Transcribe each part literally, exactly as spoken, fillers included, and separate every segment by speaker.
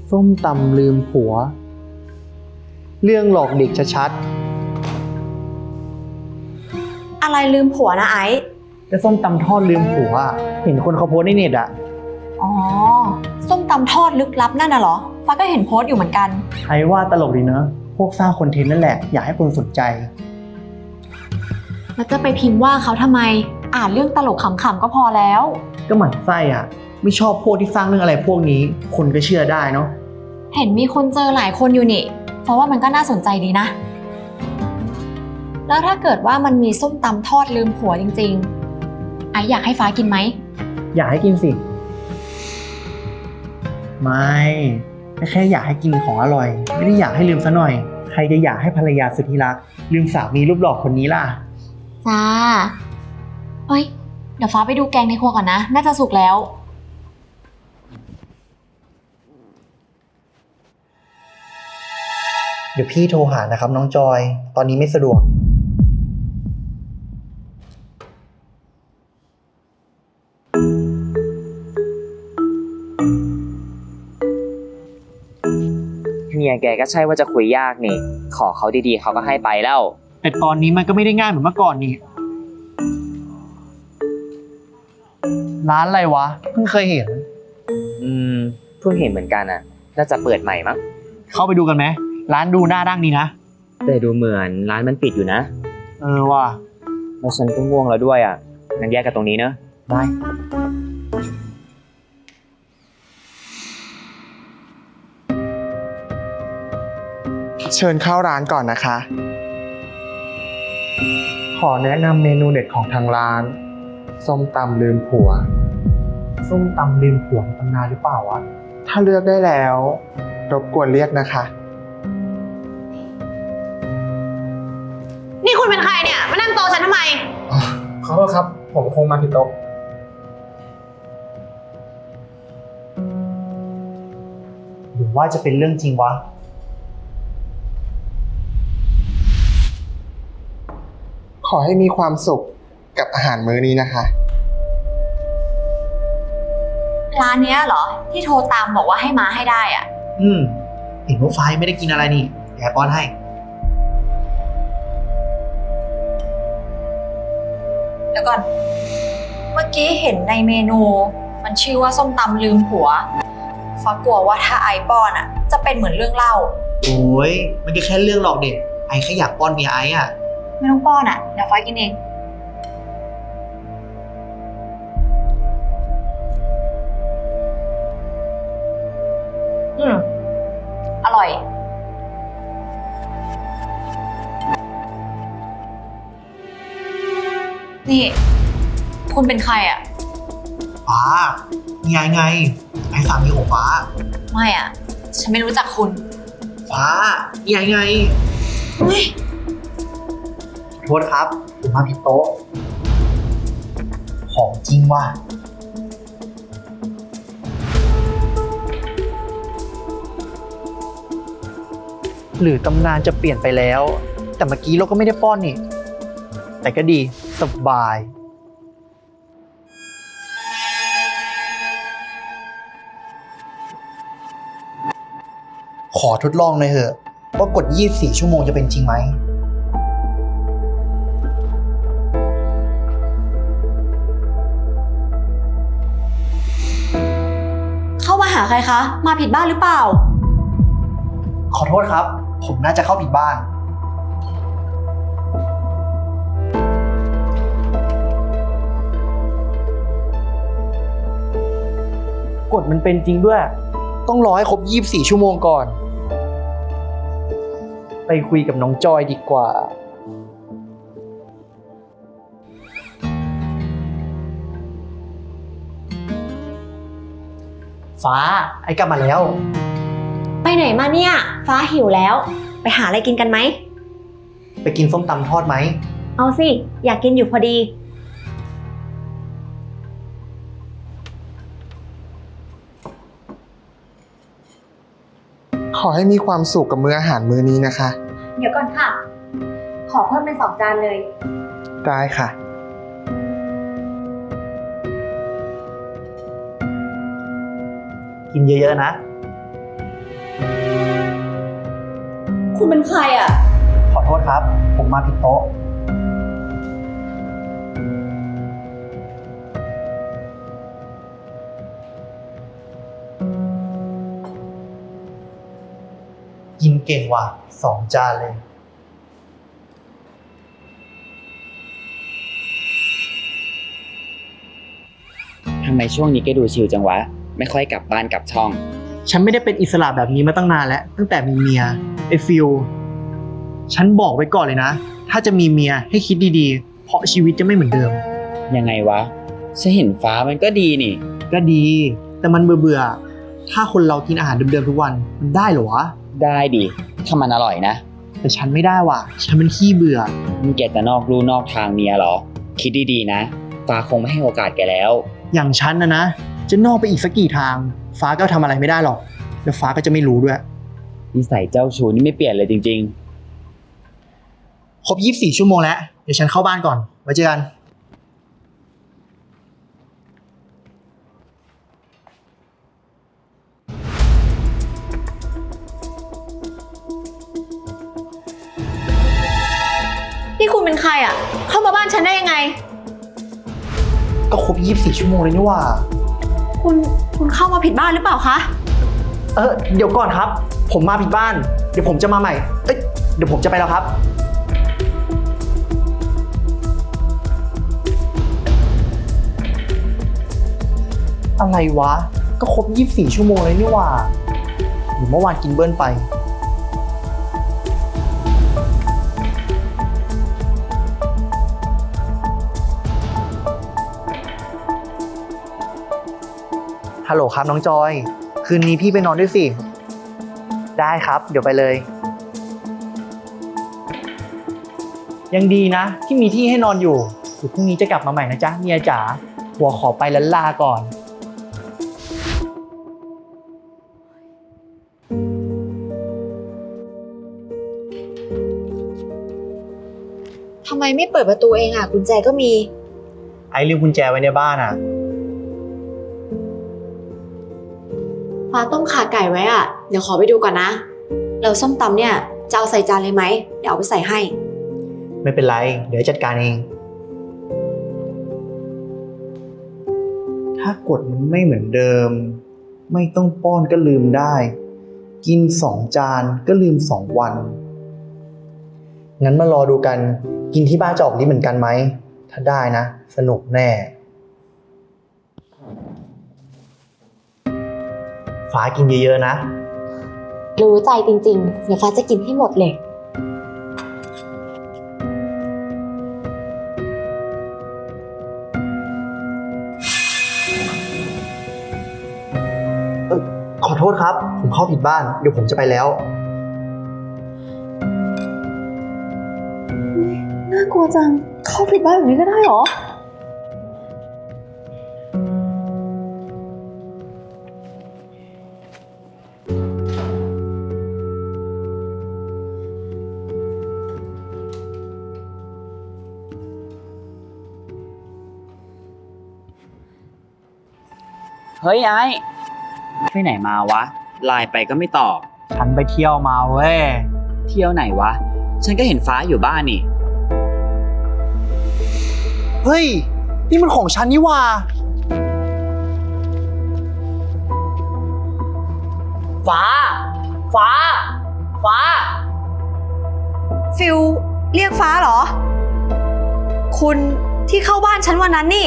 Speaker 1: ส้มตำลืมผัวเรื่องหลอกเด็กชัด
Speaker 2: อะไรลืมผัวนะไอซ์
Speaker 1: ๆแต่ส้มตำทอดลืมผัวอะเห็นคนเขาโพสต์ในเน็ตอะ
Speaker 2: อ๋อส้มตำทอดลึกลับนั่นน่ะเหรอฟ้าก็เห็นโพสต์อยู่เหมือนกัน
Speaker 1: ไอ้ว่าตลกดีเนอะพวกสร้างคอนเทนต์นั่นแหละอยากให้คนสนใจ
Speaker 2: แล้วจะไปพิมพ์ว่าเขาทำไมอ่านเรื่องตลกขำๆก็พอแล้ว
Speaker 1: ก็หมั่นไส้อ่ะไม่ชอบพวกที่สร้างเรื่องอะไรพวกนี้คนก็เชื่อได้เนาะ
Speaker 2: เห็นมีคนเจอหลายคนอยู่นี่เพราะว่ามันก็น่าสนใจดีนะแล้วถ้าเกิดว่ามันมีส้มตำทอดลืมผัวจริงๆไออยากให้ฟ้ากินไหม
Speaker 1: อยากให้กินสิไม่แค่อยากให้กินของอร่อยไม่ได้อยากให้ลืมซะหน่อยใครจะอยากให้ภรรยาสุดที่รักลืมสามีรูปหล่อคนนี้ล่ะ
Speaker 2: จ้าเฮ้ยเดี๋ยวฟ้าไปดูแกงในครัวก่อนนะน่าจะสุกแล้ว
Speaker 1: เดี๋ยวพี่โทรหานะครับน้องจอยตอนนี้ไม่สะดวก
Speaker 3: เมียแกก็ใช่ว่าจะคุยยากนี่ขอเขาดีๆเขาก็ให้ไปแล้ว
Speaker 1: แต่ตอนนี้มันก็ไม่ได้ง่ายเหมือนเมื่อก่อนนี่ร้านอะไรวะเพิ่งเคยเห็น
Speaker 3: อืมเพิ่งเห็นเหมือนกันอ่ะน่าจะเปิดใหม่มั้ง
Speaker 1: เข้าไปดูกันไหมร้านดูหน้าดั้งดีนะ
Speaker 3: แต่ดูเหมือนร้านมันปิดอยู่นะ
Speaker 1: เออว่ะ
Speaker 3: แล้วฉันก็ง่วงแล้วด้วยอ่ะงั้นแยกกันตรงนี้เนอะ
Speaker 1: ได้
Speaker 4: เชิญเข้าร้านก่อนนะคะ ขอแนะนำเมนูเด็ดของทางร้านส้มตำลืมผัว
Speaker 1: ส้มตำลืมผัวตำนานหรือเปล่าวะ
Speaker 4: ถ้าเลือกได้แล้วรบกวนเรียกนะคะ
Speaker 2: นี่คุณเป็นใครเนี่ยมานั่งโต๊ะฉันทำไม
Speaker 4: ขอโทษครับผมคงมาผิดโต๊ะ
Speaker 1: หรือว่าจะเป็นเรื่องจริงวะ
Speaker 4: ขอให้มีความสุขกับอาหารมื้อนี้นะคะ
Speaker 2: ร้านเนี้ยเหรอที่โทรตามบอกว่าให้มาให้ได้อ่ะ
Speaker 1: อืมเห็นว่าไฟไม่ได้กินอะไรนี่แอบป้อนให้
Speaker 2: เดี๋ยวก่อนเมื่อกี้เห็นในเมนูมันชื่อว่าส้มตำลืมผัวฟ้ากลัวว่าถ้าไอป้อนอ่ะจะเป็นเหมือนเรื่องเล่า
Speaker 1: โอ้ยมันก็แค่เรื่องหลอกเด็กไอ้แค่อยากป้อนเมียไอ้อะ
Speaker 2: ไม่ต้องป้อนอ่ะเดี๋ยวฟ้ากินเองอืมอร่อยนี่คุณเป็นใครอ่ะ
Speaker 1: ฟ้าเมียไงไอ้สามีของฟ้า
Speaker 2: ไม่อ่ะฉันไม่รู้จักคุณ
Speaker 1: ฟ้าเมียไง
Speaker 2: เฮ้ย
Speaker 1: โทษครับผมมาผิดโต๊ะของจริงว่ะหรือตำนานจะเปลี่ยนไปแล้วแต่เมื่อกี้เราก็ไม่ได้ป้อนนี่แต่ก็ดีสบายขอทดลองหน่อยเถอะว่ากดยี่สิบสี่ชั่วโมงจะเป็นจริงไหม
Speaker 2: เข้ามาหาใครคะมาผิดบ้านหรือเปล่า
Speaker 1: ขอโทษครับผมน่าจะเข้าผิดบ้านกฎมันเป็นจริงด้วยต้องรอให้ครบยี่สิบสี่ชั่วโมงก่อนไปคุยกับน้องจอยดีกว่าฟ้าไอ้กลับมาแล้ว
Speaker 2: ไปไหนมาเนี่ยฟ้าหิวแล้วไปหาอะไรกินกันไหม
Speaker 1: ไปกินส้มตำทอดไหม
Speaker 2: เอาสิอยากกินอยู่พอดี
Speaker 4: ขอให้มีความสุขกับมื้ออาหารมื้อนี้นะคะ
Speaker 2: เดี๋ยวก่อนค่ะขอเพิ่มเป็นสองจานเลย
Speaker 4: ได้ค่ะ
Speaker 1: กินเยอะๆนะ
Speaker 2: คุณเป็นใครอ่ะ
Speaker 1: ขอโทษครับ ผมมาผิดโต๊ะ กินเก่งว่ะสองจานเลย
Speaker 3: ทำไมช่วงนี้แกดูชิลจังวะ ไม่ค่อยกลับบ้านกลับช่อง
Speaker 1: ฉันไม่ได้เป็นอิสระแบบนี้มาตั้งนานแล้ว ตั้งแต่มีเมียไอ้ฟิลฉันบอกไว้ก่อนเลยนะ ถ้าจะมีเมียให้คิดดีๆ เพราะชีวิตจะไม่เหมือนเดิม
Speaker 3: ยังไงวะฉันเห็นฟ้ามันก็ดีนี่
Speaker 1: ก็ดี แต่มันเบื่อๆ ถ้าคนเรากินอาหารเดิมๆทุกวัน มันได้เหรอวะ
Speaker 3: ได้ดิถ้ามันอร่อยนะ
Speaker 1: แต่ฉันไม่ได้ว่ะ ฉันเป็นขี้เบื่อ
Speaker 3: มึงแกจะนอกลู่นอกทางเมียเหรอ คิดดีๆนะ ฟ้าคงไม่ให้โอกาสแกแล้ว
Speaker 1: อย่างฉันนะนะ จะนอกไปอีกสักกี่ทาง ฟ้าก็ทำอะไรไม่ได้หรอก แล้วฟ้าก็จะไม่รู้ด้วย
Speaker 3: นิสัยเจ้าชู้นี่ไม่เปลี่ยนเลยจริงๆ
Speaker 1: ครบยี่สิบสี่ชั่วโมงแล้ว เดี๋ยวฉันเข้าบ้านก่อน ไว้เจอกัน
Speaker 2: นี่คุณเป็นใครอ่ะ เข้ามาบ้านฉันได้ยังไง
Speaker 1: ก็ครบยี่สิบสี่ชั่วโมงเลยนี่หว่า
Speaker 2: คุณ คุณเข้ามาผิดบ้านหรือเปล่าคะ
Speaker 1: เออเดี๋ยวก่อนครับ ผมมาผิดบ้าน เดี๋ยวผมจะมาใหม่ เอ้ย เดี๋ยวผมจะไปแล้วครับ อะไรวะ ก็ครบยี่สิบสี่ชั่วโมงเลยนี่หว่าหรือเมื่อวานกินเบิ้ลไป ฮัลโหลครับน้องจอย คืนนี้พี่ไปนอนด้วยสิ ได้ครับ เดี๋ยวไปเลย ยังดีนะ ที่มีที่ให้นอนอยู่เดี๋ยวพรุ่งนี้จะกลับมาใหม่นะจ๊ะเมียจ๋าหัวขอไปลันลาก่อน
Speaker 2: ทำไมไม่เปิดประตูเองอ่ะ กุญแจก็มี
Speaker 1: ไอ้ลืมกุญแจไว้ในบ้านอ่ะ
Speaker 2: ฟ้าต้มข่าไก่ไว้อ่ะ เดี๋ยวขอไปดูก่อนนะ แล้วส้มตำเนี่ยจะเอาใส่จานเลยไหม เดี๋ยวเอาไปใส่ให้
Speaker 1: ไม่เป็นไร เดี๋ยวจัดการเอง ถ้ากฎมันไม่เหมือนเดิม ไม่ต้องป้อนก็ลืมได้ กินสองจานก็ลืมสองวัน งั้นมารอดูกัน กินที่บ้านจะออกนี้เหมือนกันไหม ถ้าได้นะ สนุกแน่ ฟ้ากินเยอะๆนะ
Speaker 2: รู้ใจจริงๆ เดี๋ยวฟ้าจะกินให้หมดเลย
Speaker 1: ขอโทษครับ ผมเข้าผิดบ้าน เดี๋ยวผมจะไปแล้ว
Speaker 2: น่ากลัวจัง เข้าผิดบ้านแบบนี้ก็ได้เหรอ
Speaker 3: เฮ้ยไอ้ไปไหนมาวะ ไลน์ไปก็ไม่ตอบ
Speaker 1: ฉันไปเที่ยวมาเว้ย
Speaker 3: เที่ยวไหนวะ ฉันก็เห็นฟ้าอยู่บ้านนี่
Speaker 1: เฮ้ย นี่มันของฉันนี่หว่า ฟ้า ฟ้า ฟ้า
Speaker 2: ฟิลเรียกฟ้าเหรอ คุณที่เข้าบ้านฉันวันนั้นนี่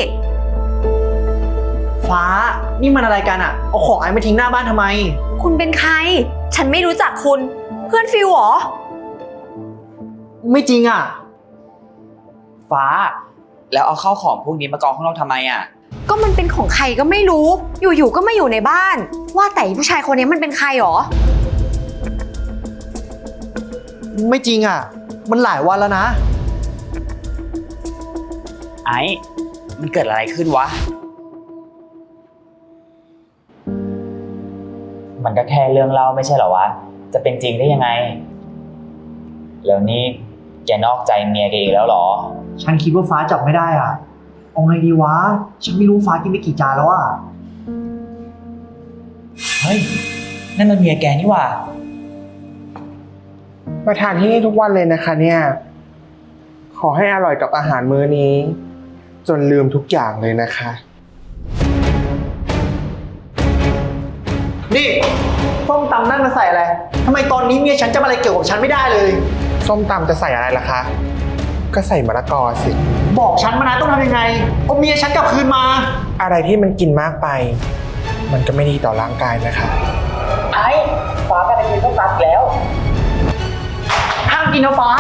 Speaker 1: ฟ้า นี่มันอะไรกันอะเอาของไอ้มาทิ้งหน้าบ้านทำไม
Speaker 2: คุณเป็นใคร ฉันไม่รู้จักคุณ เพื่อนฟิลเหรอ
Speaker 1: ไม่จริงอะ
Speaker 3: ฟ้า แล้วเอาเข้าของพวกนี้มากองข้างนอกทำไมอ่ะ
Speaker 2: ก็มันเป็นของใครก็ไม่รู้ อยู่ๆ ก็มาอยู่ในบ้าน ว่าแต่ผู้ชายคนนี้มันเป็นใครหรอ
Speaker 1: ไม่จริงอะมันหลายวันแล้วนะ
Speaker 3: ไอ้ มันเกิดอะไรขึ้นวะ มันก็แค่เรื่องเล่าไม่ใช่เหรอวะ จะเป็นจริงได้ยังไง แล้วนี่แกนอกใจเมียแกอีกแล้วเหรอ
Speaker 1: ฉันคิดว่าฟ้าจับไม่ได้อะเอาไงดีวะ ฉันไม่รู้ฟ้ากินไปกี่จานแล้วอะ
Speaker 3: เฮ้ย นั่นมันเมียแกนี่หว่า
Speaker 1: ไป
Speaker 4: มาทานที่นี่ทุกวันเลยนะคะเนี่ย ขอให้อร่อยกับอาหารมื้อนี้ จนลืมทุกอย่างเลยนะคะ
Speaker 1: นี่ส้มตำนั่นมาใส่อะไรทำไมตอนนี้เมียฉันจะมาอะไรเกี่ยวกับฉันไม่ได้เลย
Speaker 4: ส้มตำจะใส่อะไรล่ะคะ ก็ใส่มะละกอสิ
Speaker 1: บอกฉันมานะต้องทำยังไงเอาเมียฉันกลับคืนมา
Speaker 4: อะไรที่มันกินมากไป มันก็ไม่ดีต่อร่างกายนะคะ
Speaker 3: ไอ้ฟ้าก็ได้กินส้มตำแล้ว
Speaker 1: ห้ามกินนะฟ้า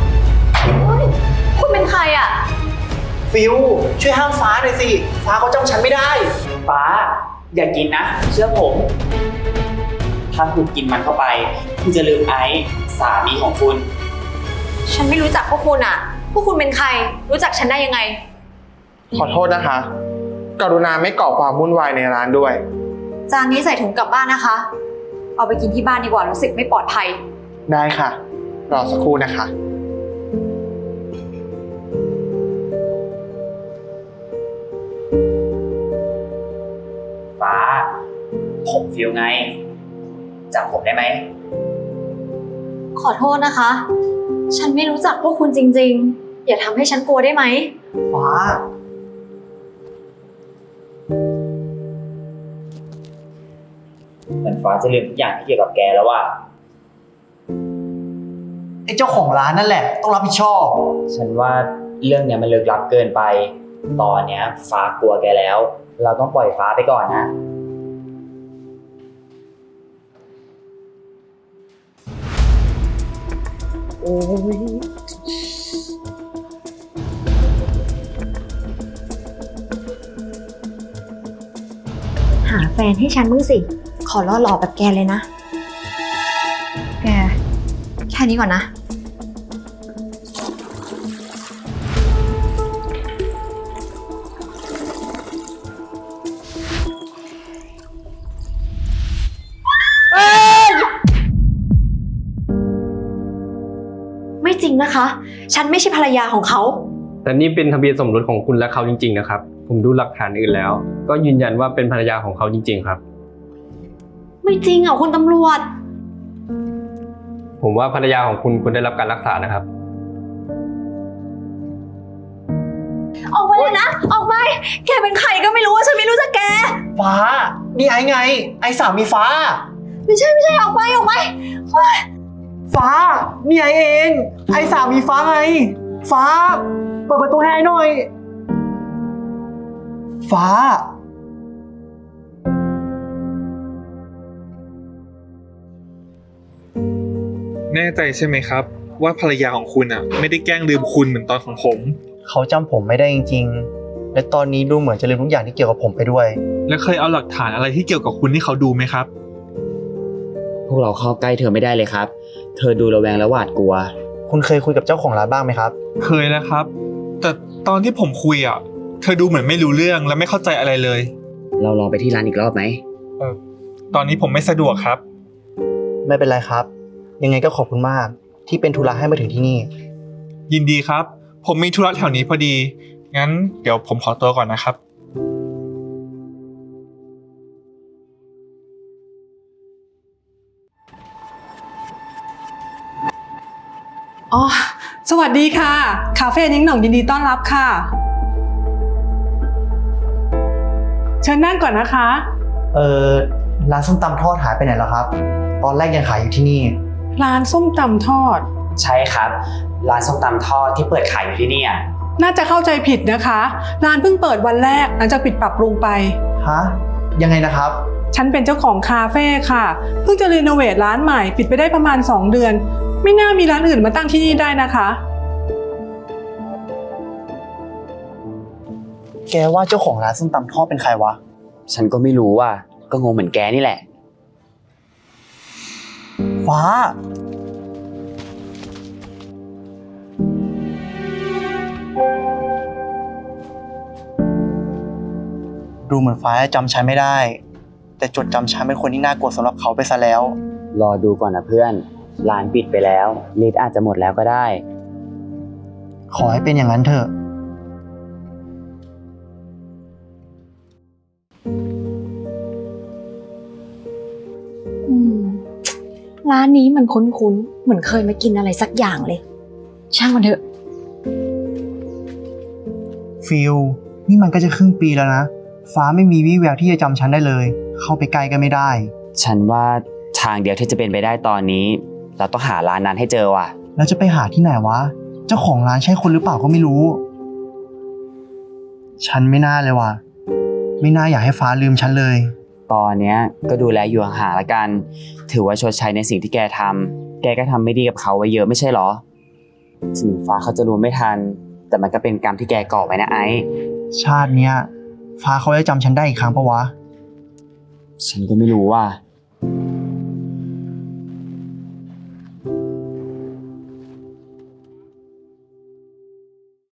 Speaker 2: คุณเป็นใครอ่ะ
Speaker 1: ฟิวช่วยห้ามฟ้าหน่อยสิ ฟ้าเขาจำฉันไม่ได้
Speaker 3: ฟ้า อย่ากินนะ เชื่อผม ถ้าคุณกินมันเข้าไป คุณจะลืมไอซ์สามีของคุณ
Speaker 2: ฉันไม่รู้จักพวกคุณอ่ะ พวกคุณเป็นใคร รู้จักฉันได้ยังไง
Speaker 4: ขอโทษนะคะ กรุณาไม่ก่อความวุ่นวายในร้านด้วย
Speaker 2: จานนี้ใส่ถุงกลับบ้านนะคะ เอาไปกินที่บ้านดีกว่ารู้สึกไม่ปลอดภัย
Speaker 4: ได้ค่ะ รอสักครู่นะคะ
Speaker 3: ฟ้า ผมฟิลไงจำผมได้ไหม
Speaker 2: ขอโทษนะคะ ฉันไม่รู้จักพวกคุณจริงๆ อย่าทำให้ฉันกลัวได้ไหม
Speaker 1: ฟ้า
Speaker 3: เหมือนฟ้าจะลืมทุกอย่างที่เกี่ยวกับแกแล้วว่า
Speaker 1: ไอ้เจ้าของร้านนั่นแหละ ต้องรับผิดชอบ
Speaker 3: ฉันว่าเรื่องเนี้ยมันลึกลับเกินไป ตอนเนี้ยฟ้ากลัวแกแล้ว เราต้องปล่อยฟ้าไปก่อนนะ
Speaker 4: โอ้ย
Speaker 2: หาแฟนให้ฉันมึงสิ ขอล่อหล่อแบบแกเลยนะ แก แค่นี้ก่อนนะ ไม่จริงนะคะ ฉันไม่ใช่ภรรยาของเขา
Speaker 5: แต่นี่เป็นทะเบียนสมรสของคุณและเขาจริงๆนะครับ ผมดูหลักฐานอื่นแล้ว ก็ยืนยันว่าเป็นภรรยาของเขาจริงๆครับ
Speaker 2: ไม่จริงอ่ะคุณตำรวจ
Speaker 5: ผมว่าภรรยาของคุณควรได้รับการรักษานะครับ
Speaker 2: ออกไปเลยนะ ออกไป แกเป็นใครก็ไม่รู้ว่าฉันไม่รู้จักแก
Speaker 1: ฟ้า นี่ไอ้ไง ไอ้สามีฟ้า
Speaker 2: ไม่ใช่ไม่ใช่ออกไปออกไป
Speaker 1: ฟ้า นี่ไอ้เอง ไอ้สามีฟ้าไง ฟ้า เปิดประตูให้ไอ้หน่อย ฟ้า
Speaker 6: แน่ใจใช่ไหมครับ ว่าภรรยาของคุณอ่ะ ไม่ได้แกล้งลืมคุณเหมือนตอนของผม
Speaker 1: เขาจำผมไม่ได้จริงๆ และตอนนี้ดูเหมือนจะลืมทุกอย่างที่เกี่ยวกับผมไปด้วย
Speaker 6: แล้วเคยเอาหลักฐานอะไรที่เกี่ยวกับคุณให้เขาดูไหมครับ
Speaker 3: พวกเราเข้าใกล้เธอไม่ได้เลยครับ เธอดูระแวงและหวาดกลัว
Speaker 1: คุณเคยคุยกับเจ้าของร้านบ้างไหมครับ
Speaker 6: เคยแล้วครับ แต่ตอนที่ผมคุยอ่ะ เธอดูเหมือนไม่รู้เรื่องและไม่เข้าใจอะไรเลย
Speaker 3: เราลองไปที่ร้านอีกรอบไหม
Speaker 6: เออตอนนี้ผมไม่สะดวกครับ
Speaker 1: ไม่เป็นไรครับ ยังไงก็ขอบคุณมาก ที่เป็นธุระให้มาถึงที่นี่
Speaker 6: ยินดีครับ ผมมีธุระแถวนี้พอดี งั้นเดี๋ยวผมขอตัวก่อนนะครับ
Speaker 7: อ๋อ สวัสดีค่ะ คาเฟ่นิ้งหน่องยินดีต้อนรับค่ะ เชิญนั่งก่อนนะคะ
Speaker 1: เออร้านส้มตำทอดหายไปไหนแล้วครับ ตอนแรกยังขายอยู่ที่นี่
Speaker 7: ร้านส้มตำทอด
Speaker 3: ใช่ครับ ร้านส้มตำทอดที่เปิดขายอยู่ที่นี่
Speaker 7: น่าจะเข้าใจผิดนะคะ ร้านเพิ่งเปิดวันแรกหลังจากปิดปรับปรุงไป
Speaker 1: ฮะ ยังไงนะครับ
Speaker 7: ฉันเป็นเจ้าของคาเฟ่ค่ะ เพิ่งจะรีโนเวทร้านใหม่ปิดไปได้ประมาณสองเดือน ไม่น่ามีร้านอื่นมาตั้งที่นี่ได้นะคะ
Speaker 1: แกว่าเจ้าของร้านส้มตำทอดเป็นใครวะ
Speaker 3: ฉันก็ไม่รู้ว่ะ ก็งงเหมือนแกนี่แหละ
Speaker 1: ฟ้า ดูเหมือนฟ้าจะจำฉันไม่ได้ แต่จดจำฉันเป็นคนที่น่ากลัวสำหรับเขาไปซะแล้ว
Speaker 3: รอดูก่อนนะเพื่อน ร้านปิดไปแล้วลิสต์อาจจะหมดแล้วก็ได้
Speaker 1: ขอให้เป็นอย่างนั้นเถอะ
Speaker 2: อืม เร้านนี้มันคุ้นๆ เหมือนเคยมากินอะไรสักอย่างเลย ช่างมันเถอะ
Speaker 1: ฟิลนี่มันก็จะครึ่งปีแล้วนะ ฟ้าไม่มีวี่แววที่จะจำฉันได้เลย เข้าไปใกล้ก็ไม่ได้
Speaker 3: ฉันว่าทางเดียวที่จะเป็นไปได้ตอนนี้ เราต้องหาร้านนั้นให้เจอว่ะ
Speaker 1: แล้วจะไปหาที่ไหนวะ เจ้าของร้านใช่คนหรือเปล่าก็ไม่รู้ ฉันไม่น่าเลยว่ะ ไม่น่าอยากให้ฟ้าลืมฉันเลย
Speaker 3: ตอนเนี้ยก็ดูแลอยู่ห่างๆละกัน ถือว่าชดใช้ในสิ่งที่แกทำแกก็ทำไม่ดีกับเขาไว้เยอะไม่ใช่หรอ ถึงฟ้าเขาจะรู้ไม่ทัน แต่มันก็เป็นกรรมที่แกก่อไว้นะไอ้
Speaker 1: ชาติเนี้ย ฟ้าเขาจะจำฉันได้อีกครั้งปะวะ
Speaker 3: ฉันก็ไม่รู้ว่า